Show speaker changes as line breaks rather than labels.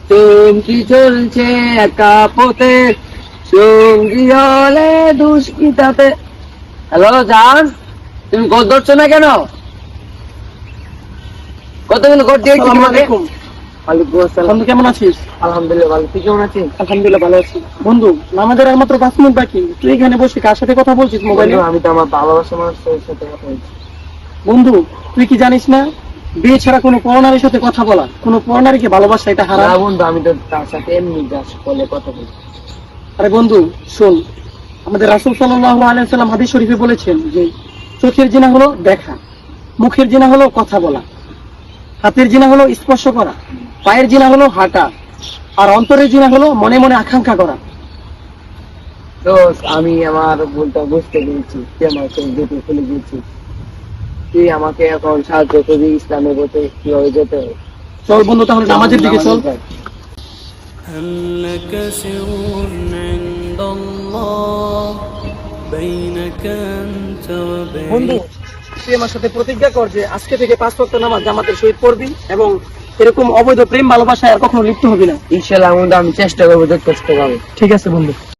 চমকি চলছে একা পথে, সঙ্গী হলে দুষ্কৃতাতে। হ্যালো জান, তুমি গোদ ধরছো না কেন? কতগুলো গোদ দিয়েছি
আসসালামু
তোমাকে?
আলাইকুম।
ওয়ালাইকুম আসসালাম।
বন্ধু কেমন আছিস?
আলহামদুলিল্লাহ ভালো, তুই কেমন আছিস?
আলহামদুলিল্লাহ ভালো আছি। বন্ধু, নামাজের আর মাত্র 5 মিনিট বাকি, তুই এখানে বসে কার সাথে কথা বলছিস মোবাইলে?
বন্ধু, আমি তো আমার ভালোবাসা মানুষের সাথে কথা বলছি।
বন্ধু, তুই কি জানিস না বিয়ে ছাড়া কোনো পরনারীর সাথে কথা বলা, কোনো পরনারীকে ভালোবাসা এটা
না
হারাম।
বন্ধু, আমি তো তার সাথে এমনি জাস্ট কলে কথা বলছি।
আরে বন্ধু শোন, আমাদের রাসূল সাল্লাল্লাহু আলাইহি ওয়াসাল্লাম হাদিস শরীফে বলেছেন যে চোখের জিনা হলো দেখা, মুখের জিনা হলো কথা বলা, হাতের জিনা হলো স্পর্শ করা, পায়ের জিনা হলো হাঁটা, আর অন্তরের জিনা হলো মনে মনে আকাঙ্ক্ষা করা।
তো আমি আমার ভুলটা বুঝতে পেরেছি, তুই আমার চোখ দুটো খুলে দিয়েছিস। তুই আমাকে এখন সাহায্য করবি ইসলামের পথে কিভাবে যেতে হবে।
চল বন্ধু তাহলে নামাজের দিকে চল।
هل لك سر عند الله بينك أنت
বন্ধু,
وبين
তুই আমার সাথে প্রতিজ্ঞা কর যে আজকে থেকে 5 ওয়াক্ত নামাজ জামাতের সহিত পড়বি এবং এরকম অবৈধ প্রেম ভালোবাসায় আর কখনো লিপ্ত হবি না।
ইনশাআল্লাহ বন্ধু, আমি চেষ্টা করবো যথেষ্ট ভাবে।
ঠিক আছে বন্ধু।